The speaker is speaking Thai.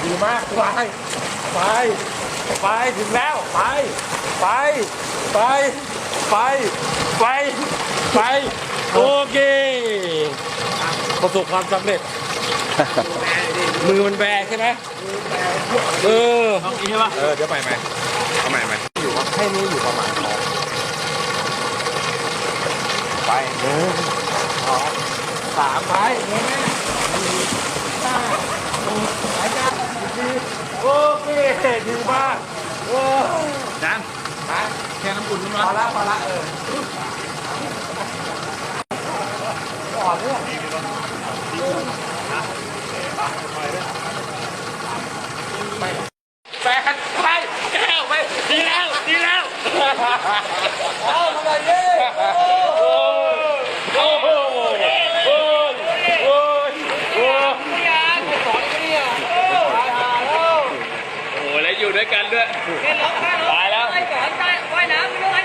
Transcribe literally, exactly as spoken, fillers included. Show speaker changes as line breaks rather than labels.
ดีมากไปไปไปถึงแล้วไปไปไปไปไปไปโอเคประสบความสำเร็จมือมันแบกใช่ไหมเออต้องนี้ใช่ปะเออเดี๋ยวใหม่ใหม่เอาใหม่ใหม่อยู่แค่นี้อยู่ประมาณสองไปหนึ่งสองสามไปเงี้ยห้าหกไปกันสี่โอเคดีมากโอ้ดังไปแค่น้ำอุ่นนิดหน่อยพอละพอละเอออ่อนเนี่ยแฟนไปแก้วไปดีแล้วดีแล้วเอามาเลยดิโอ้โหโอ้โหโอ้โหโอ้โหยังสอนกันเนี่ยโอ้โหแล้วอยู่ด้วยกันด้วยตายแล้วไปสอนใต้ว่ายน้ำไปด้วย